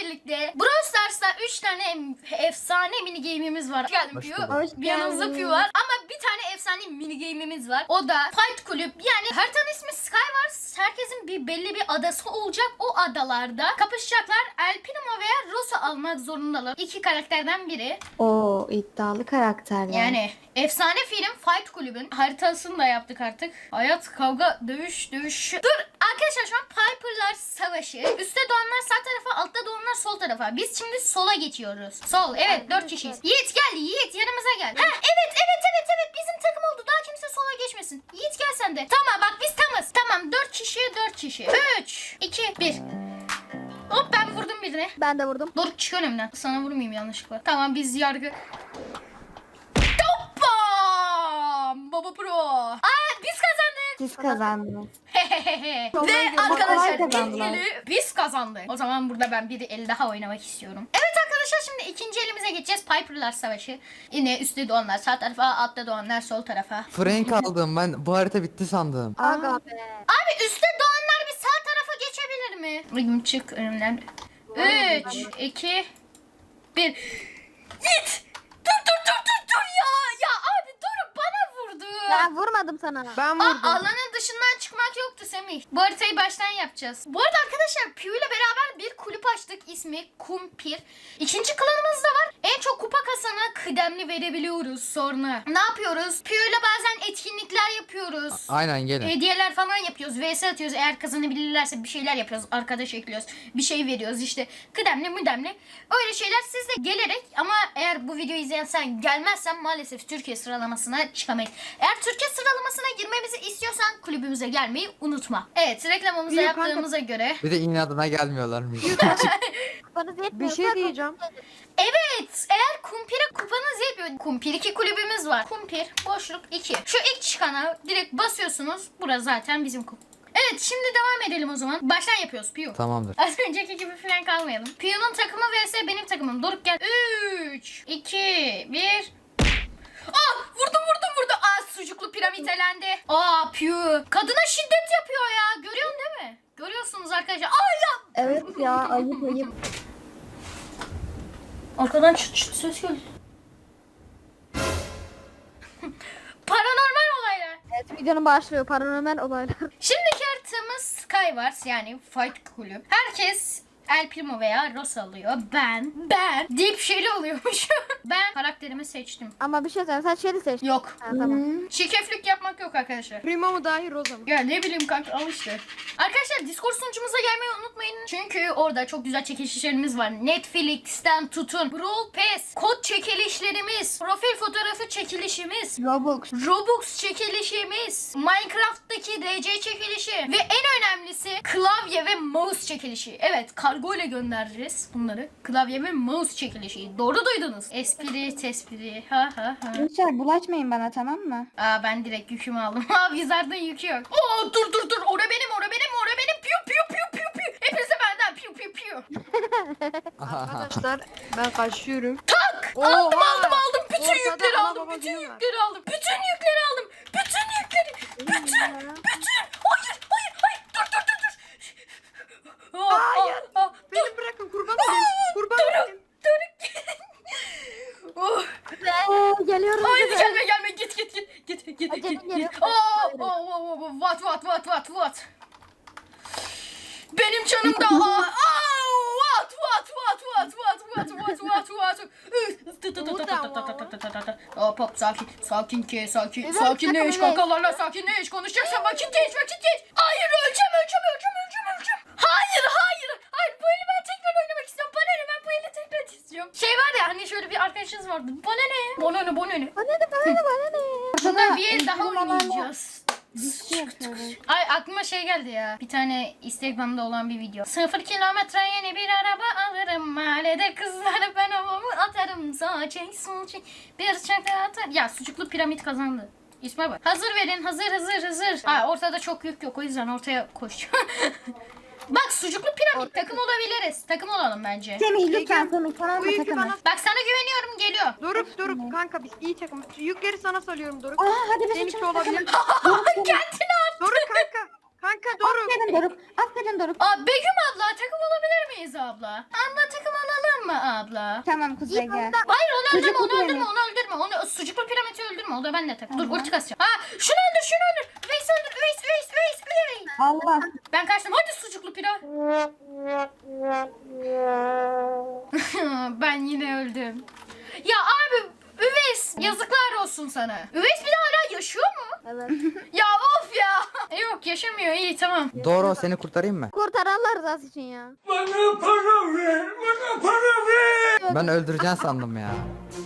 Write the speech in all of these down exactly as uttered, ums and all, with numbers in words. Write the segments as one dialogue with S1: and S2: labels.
S1: birlikte Brawl Stars'ta üç tane efsane mini game'imiz var. Hoş geldin Piyu. Yanımızda Piyu var. Ama bir tane efsane mini game'imiz var. O da Fight Kulüp. Yani haritanın ismi Skywars. Herkesin bir belli bir adası olacak. O adalarda kapışacaklar. El Primo veya Rosa almak zorundalar. İki karakterden biri.
S2: Oo, iddialı karakterler.
S1: Yani efsane film Fight Kulübün haritasını da yaptık artık. Hayat, kavga, dövüş, dövüş. Dur arkadaşlar, şu an Piper'lar savaşı. Üste doğanlar sağ tarafa, altta doğanlar sol tarafa. Biz şimdi sola geçiyoruz. Sol, evet, dört kişiyiz. Yiğit gel, Yiğit yanımıza gel. Ha, evet, evet, evet, evet, bizim takım oldu. Daha kimse sola geçmesin. Yiğit gel sen de. Tamam bak, biz tamız. Tamam, dört kişi, dört kişi. Üç, iki, bir. Hop, ben vurdum birine.
S2: Ben de vurdum.
S1: Dur, çık önümden. Sana vurmayayım yanlışlıkla. Tamam, biz yargı... Hoppam! Baba Pro. Aa, biz kazandık.
S2: Siz kazandınız.
S1: Ve
S2: Kolay
S1: arkadaşlar ilk
S2: kazandılar.
S1: eli biz kazandık. O zaman burada ben bir el daha oynamak istiyorum. Evet arkadaşlar, şimdi ikinci elimize geçeceğiz. Piper'lar savaşı. Yine üstte doğanlar sağ tarafa, altta doğanlar sol tarafa.
S3: Frank aldım ben, bu harita bitti sandım.
S2: Aga be.
S1: Abi üstte doğanlar bir sağ tarafa geçebilir mi? Bugün çık önümden. üç, iki, bir. Git! Dur dur dur dur dur ya! Ya abi dur, bana vurdu.
S2: Ben vurmadım sana.
S4: Ben
S1: Aa,
S4: vurdum.
S1: alanın dışından çıkmak yoktu Semih. Bu haritayı baştan yapacağız. Bu arada arkadaşlar Piyu ile beraber bir kulüp açtık, ismi Kumpir. İkinci klanımız da var. En çok kupa kasana kıdemli verebiliyoruz sonra. Ne yapıyoruz? Piyu ile bazen etkinlikler yapıyoruz.
S3: Aynen gelin.
S1: Hediyeler falan yapıyoruz. V S atıyoruz. Eğer kazanabilirlerse bir şeyler yapıyoruz. Arkadaş ekliyoruz. Bir şey veriyoruz işte. Kıdemli müdemli. Öyle şeyler siz de gelerek, ama eğer bu videoyu izleyen sen gelmezsen maalesef Türkiye sıralamasına çıkamayız. Eğer Türkiye sıralamasına girmemizi istiyorsan kulübümüze gelmeyi unutma. Evet, reklamımızı
S4: Yok, kanka.
S1: yaptığımıza göre.
S3: Bir de inadına gelmiyorlarmış.
S2: Kupanız
S4: Bir
S2: yetmiyorsa
S4: şey diyeceğim.
S1: Evet, eğer Kumpir'e kupanız yetmiyor. Kumpir iki kulübümüz var. Kumpir boşluk iki. Şu ilk çıkana direkt basıyorsunuz. Burası zaten bizim kup. Evet, şimdi devam edelim o zaman. Baştan yapıyoruz Piyu.
S3: Tamamdır.
S1: Az önceki gibi falan kalmayalım. Piyu'nun takımı vs benim takımım. Doruk gel. üç, iki, bir. Aa, vurdum vurdum vurdum. Aa, sucuklu piramit elendi. Aa, Piyu. Kadına şiddet yapıyor ya. Görüyorsun değil mi? Görüyorsunuz arkadaşlar. Aa ya.
S2: evet ya, ayıp ayıp.
S1: Arkadan çıt çıt ses geldi. Paranormal olaylar.
S2: Evet, videonun başlıyor. Paranormal olaylar.
S1: Şimdiki haritamız Skywars, yani Fight Kulüp. Herkes El Primo veya Rosa alıyor. Ben, ben deyip şeyli oluyormuş. Ben karakterimi seçtim.
S2: Ama bir şey söyleyeyim. Sen şeyi seç.
S1: Yok.
S2: Ha, tamam.
S1: Çirkeflik yapmak yok arkadaşlar.
S4: Primo mu dahi Rosa mı?
S1: Ya ne bileyim kanka, al işte. Arkadaşlar Discord sunucumuza gelmeyi unutmayın. Çünkü orada çok güzel çekilişlerimiz var. Netflix'ten tutun. Brawl Pass, kod çekilişlerimiz, profil fotoğrafı çekilişimiz,
S2: Robux.
S1: Robux çekilişimiz, Minecraft'taki D C çekilişi ve en önemlisi klavye ve mouse çekilişi. Evet, kargo ile göndereceğiz bunları. Klavye ve mouse çekilişi. Doğru duydunuz. Espri, tespri. Ha ha ha.
S2: Lütfen bulaşmayın bana, tamam mı?
S1: Aa, ben direkt yükümü aldım. Aa, Wizard'ın yükü yok. Oo, dur dur dur. Ora benim, ora benim, ora benim. Piu piu piu piu piu. Hepinize benden piu piu piu.
S4: Arkadaşlar ben kaçıyorum.
S1: Tak!
S4: Oha!
S1: Aldım aldım aldım. Bütün
S4: Ortada
S1: yükleri
S4: ana
S1: aldım.
S4: baba
S1: Bütün
S4: günü var.
S1: yükleri aldım. Bütün yükleri aldım. Bütün yükleri. Bütün. Bütün. Hayır hayır hayır. Dur dur dur dur. Aa,
S4: Hayır.
S1: aa, aa.
S4: Beni bırakın, kurban olayım. Kurban olayım.
S1: Oh.
S2: Ee, geliyorum.
S1: Hayır, gelme gelme, git git git git git
S2: Acele
S1: git
S2: geliyor.
S1: git. Oh, oh, oh, oh, what what what what what. Benim canım da aa, aa, what what what what what what what what what. Hop hop, sakin sakin ke sakin
S2: Evet,
S1: sakinleş
S2: sakin,
S1: kankalarla, sakinleş, konuşacaksan vakit geç vakit geç. Hayır, öleceğim öleceğim öleceğim öleceğim öleceğim. Hayır hayır hayır, bu eli ben tekrar oynamak istiyorum. Bana ne, ben bu eli tekrar istiyorum. Şey var ya hani, şöyle bir arkadaşınız vardı. Bana ne? Bana ne bana ne?
S2: Bana ne, bana ne, bana ne?
S1: Bundan bir el daha
S2: Eğitim alanı-
S1: oynayacağız.
S2: Diski yapıyoruz.
S1: Ay, aklıma şey geldi ya. Bir tane Instagram'da olan bir video. Sıfır kilometre yeni bir araba alırım. Mahallede kızları ben havamı atarım. Sağ çek sol çek. Bir çakra atar. Ya, sucuklu piramit kazandı. İsme bak. Hazır verin, hazır hazır hazır. Ha, ortada çok yük yok, o yüzden ortaya koş. Bak, sucuklu piramit takım olabiliriz. Takım olalım bence.
S2: Semih lütfen, Semih tamam
S4: Bu
S2: mı,
S4: yükü
S2: takımı?
S4: bana...
S1: Bak, sana güveniyorum, geliyor.
S4: Doruk Doruk kanka, biz iyi takım. Yükleri sana salıyorum Doruk.
S2: Aa, hadi biz
S4: Seninki
S2: uçalım,
S4: olabilir.
S2: takımı.
S1: Kendini at.
S4: Doruk kanka. Kanka Doruk.
S2: Aferin Doruk. Aferin Doruk.
S1: Aa Begüm abla takım olabilir miyiz abla? Abla takım olalım mı abla?
S2: Tamam Kuzey gel.
S1: Hayır onu öldürme
S2: Sucuklu
S1: onu öldürme
S2: piramit.
S1: onu öldürme. Onu sucuklu piramidi öldürme. O da ben de tak. Dur
S2: Tamam.
S1: ulti kasacağım. Aa şunu öldür şunu öldür. Üveys öldür Üveys Üveys Üveys Üveys.
S2: Allah.
S1: Ben kaçtım. Hadi sucuklu pilav. Ben yine öldüm. Ya abi Üveys yazıklar olsun sana. Üveys bir de hala yaşıyor mu?
S2: Evet.
S1: Ya of ya. Yok yaşamıyor iyi tamam.
S3: Doğru seni kurtarayım mı?
S2: Kurtar Allah rızası için ya.
S3: Ben öldüreceğim sandım ya.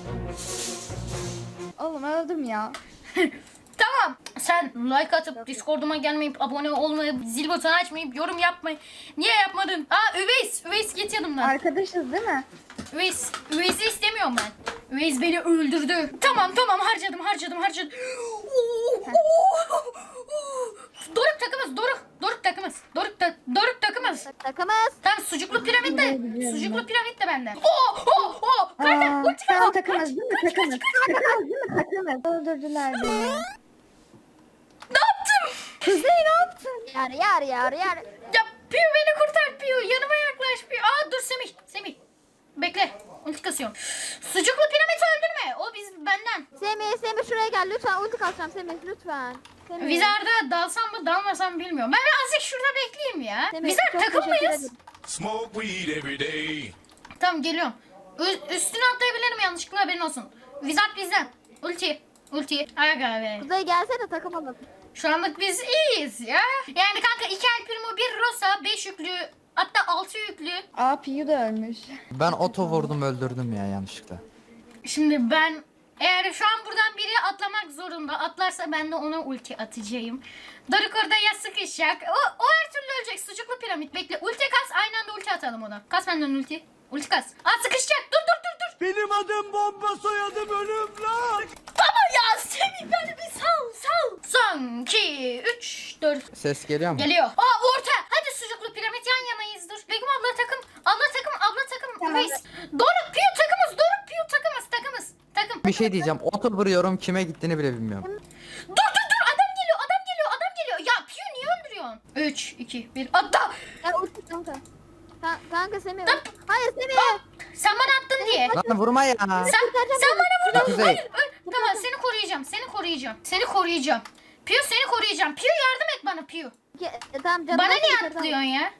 S2: Oğlum öldüm ya.
S1: Tamam. Sen like atıp Discord'uma gelmeyip abone olmayıp zil butonu açmayıp yorum yapmayı niye yapmadın? Aa Üveys. Üveys git yanımdan.
S2: Arkadaşız değil mi?
S1: Üveys. Üveys'i istemiyorum ben. Üveys beni öldürdü. Tamam tamam harcadım harcadım harcadım. Doruk takımız Doruk. Doruk takımız. Doruk, ta Doruk takımız.
S2: Takımız.
S1: Tamam sucuklu piramit de.
S2: Biliyorum, biliyorum.
S1: Sucuklu piramit de benden. Oo oo oo. Kanka
S2: Aa,
S1: ulti
S2: tamam
S1: kapat.
S2: takımız değil mi? Takımız. Takımız değil mi? Takımız. Öldürdüler beni.
S1: Ne yaptım?
S2: Kuzey ne yaptın? Yar yar yar yar.
S1: Ya Piyu beni kurtar Piyu. Yanıma yaklaş Piyu. Aa dur Semih. Semih. Bekle. Ulti kasıyorum. Sucuklu piramit öldürme. O biz benden.
S2: Semih Semih şuraya gel lütfen. Ulti kalacağım Semih lütfen. Semih.
S1: Vizarda dalsam mı dalmasam bilmiyorum. Ben birazcık şurada bekleyeyim ya.
S2: Semih,
S1: Vizar
S2: çok
S1: takım
S2: teşekkür
S1: mıyız?
S2: ederim.
S5: Smoke weed every day.
S1: Tamam geliyorum. Ü- üstüne atlayabilirim yanlışlıkla haberin olsun. Vizar bizden. Ulti. Ulti. Aga be.
S2: Kuzey gelsene takım alalım.
S1: Şu anlık biz iyiyiz ya. Yani kanka iki El Primo, bir Rosa, beş yüklü, hatta altı yüklü.
S2: Aa Piyu da ölmüş.
S3: Ben oto vurdum öldürdüm ya yanlışlıkla.
S1: Şimdi ben eğer şu an buradan biri atlamak zorunda atlarsa ben de ona ulti atacağım. Doruk orada ya sıkışacak. O, o her türlü ölecek. Sucuklu piramit bekle. Ulti kas aynı anda ulti atalım ona. Kas benden ulti. Ulti kas. Aa sıkışacak. Dur dur dur dur.
S5: Benim adım bomba soyadım ölüm lan.
S1: Baba ya Semih beni bir sal sal. Son iki üç dört.
S3: Ses geliyor mu?
S1: Geliyor. Aa orta. Hadi sucuklu piramit yan yanayız dur. Begüm abla takım. Abla takım. Abla takım.
S2: Tamam.
S1: Reis. Doruk Piyu takımız. Doruk Piyu takımız. Takımız. Takım.
S3: Bir şey diyeceğim. Oto vuruyorum kime gittiğini bile bilmiyorum.
S1: Dur dur dur adam geliyor adam geliyor adam geliyor. Ya Piyu niye öldürüyorsun? üç iki bir atla.
S2: Ya ulti kanka. Ka kanka Semih. Hayır Semih.
S1: Sen bana attın diye.
S3: Lan vurma ya.
S1: Sen,
S2: kurtaracağım
S1: sen
S2: seni.
S1: bana vurdun.
S3: Kuzey.
S1: Hayır, öl- tamam seni koruyacağım. Seni koruyacağım. Seni koruyacağım. Piyu seni koruyacağım. Piyu yardım et bana Piyu.
S2: Ke- e, tamam canım.
S1: Bana
S2: ben
S1: niye
S2: kurtaracağım.
S1: atlıyorsun ya?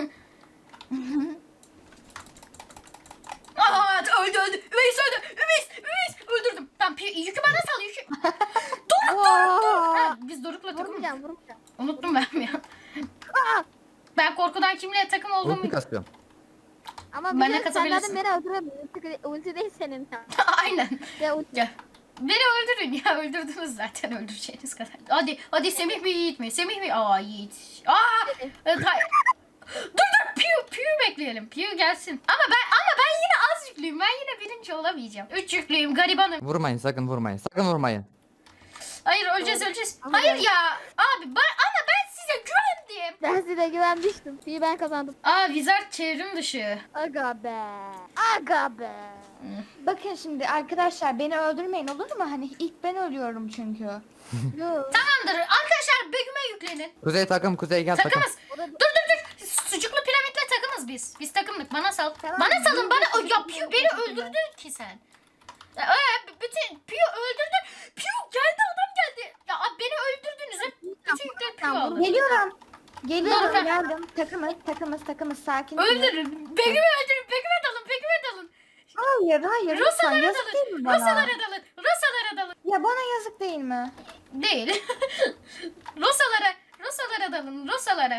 S1: Aa öldü öldü. Üveys öldü. Üveys Üveys öldürdüm. Tamam Piyu yükü bana sal yükü. Doruk Doruk Doruk. Ha, biz Doruk'la takım.
S2: Vurmayacağım vurmayacağım.
S1: Unuttum ben ya.
S2: Aa!
S1: Ben korkudan kimle takım
S3: Ulti
S1: olduğumu...
S3: kasıyorum.
S2: Ama
S1: Ben
S2: bir
S1: de
S2: kere sen
S1: kasabilirsin.
S2: zaten beni öldüremedin. Ulti, ulti değil senin.
S1: Aynen.
S2: Ya ulti.
S1: Ya. Beni öldürün ya öldürdünüz zaten öldüreceğiniz kadar. Hadi hadi Semih mi Yiğit mi? Semih mi? Aa Yiğit. Aa. Evet, hayır. Dur dur Piyu Piyu bekleyelim. Piyu gelsin. Ama ben ama ben yine az yüklüyüm. Ben yine birinci olamayacağım. Üç yüklüyüm garibanım.
S3: Vurmayın sakın vurmayın. Sakın vurmayın.
S1: Hayır öleceğiz öleceğiz.
S2: Ama
S1: Hayır
S2: ben-
S1: ya. Abi ben ama ben size güvendim.
S2: Ben size güvenmiştim. İyi ben kazandım.
S1: Aa Wizard çevrim dışı.
S2: Aga be. Aga be.
S6: Bakın şimdi arkadaşlar beni öldürmeyin olur mu? Hani ilk ben ölüyorum çünkü.
S2: Yok.
S1: Tamamdır. Arkadaşlar Begüm'e yüklenin.
S3: Kuzey takım kuzey gel takım.
S1: Takımız.
S2: O da-
S1: Dur dur dur. Sucuklu piramitle takımız biz. Biz takımlık. Bana sal.
S2: Tamam,
S1: Bana salın. Bana
S2: biz-
S1: ya Piyu beni öldürdü ki sen. Ya, ee, bütün Piyu öldürdü. Piyu geldi adam geldi. Ya abi beni öldürdünüz. Hep bütün yükler Piyu
S2: Tamam,
S1: aldı.
S6: Geliyorum. Geliyorum
S1: Doğru.
S6: geldim. Takımız takımız takımız sakin. olun.
S1: Öldürün. Begüm'ü öldürün. Begüm'e dalın. Begüm'e dalın.
S6: Hayır hayır lütfen
S1: Rosalara
S6: yazık değil
S1: dalın.
S6: mi bana?
S1: Rosalara dalın. Rosalara dalın.
S6: Ya bana yazık değil mi?
S1: Değil. Rosalara. Rosalara dalın. Rosalara.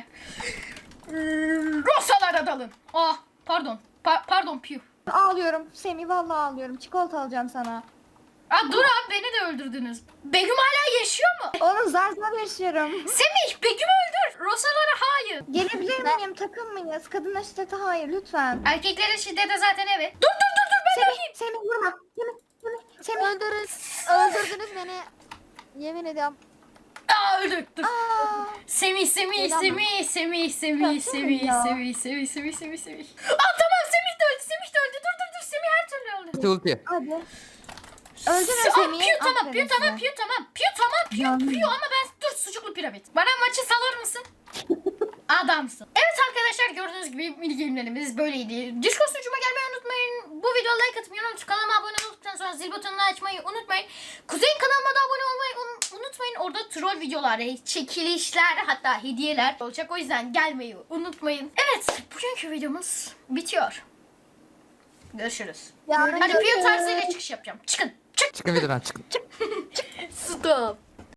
S1: Rosalara dalın. Ah pardon. Pa- pardon Piyu.
S6: Ağlıyorum Semih vallahi ağlıyorum. Çikolata alacağım sana.
S1: Aa, dur abi beni de öldürdünüz. Begüm hala yaşıyor mu?
S6: Oğlum zar zar yaşıyorum.
S1: Semih Begüm'ü öldür. Rosalara hayır.
S6: Gelebilir miyim? Takım mıyız? Kadına şiddete hayır lütfen.
S1: Erkeklere şiddete zaten evet. Dur dur dur dur ben
S6: Semih,
S1: öleyim.
S6: Semih vurma. Semih, Semih, Semih.
S2: Öldürün. Öldürdünüz beni. Yemin ediyorum.
S1: Aa öldük dur.
S6: Aa,
S1: Semih Semih
S2: Neden
S1: Semih Semih Semih
S6: Ya,
S1: Semih
S6: ya.
S1: Semih Semih Semih Semih Semih. Aa tamam Semih de öldü Semih de öldü. Dur dur dur Semih her türlü öldü.
S3: Ulti ulti.
S6: hadi. Öldürün
S1: Aa,
S6: Semih'i.
S1: Piyu tamam
S6: aferin
S1: Piyu tamam
S6: size.
S1: Piyu tamam Piyu tamam Piyu
S6: Yandım.
S1: Piyu ama ben dur sucuklu piramit. Bana maçı salar mısın? Adamsın. Evet arkadaşlar gördüğünüz gibi mini game'lerimiz böyleydi. Discord sunucuma gelmeyi unutmayın. Bu videoya like atmayı unutmayın. Kanalıma abone olduktan sonra zil butonunu açmayı unutmayın. Kuzey'in kanalıma da abone olmayı un- unutmayın. Orada troll videolar, çekilişler hatta hediyeler olacak. O yüzden gelmeyi unutmayın. Evet bugünkü videomuz bitiyor. Görüşürüz.
S2: Ya,
S1: Hadi Piyo tarzıyla çıkış yapacağım. Çıkın. Çık.
S3: Çıkın videodan çıkın.
S1: Stop.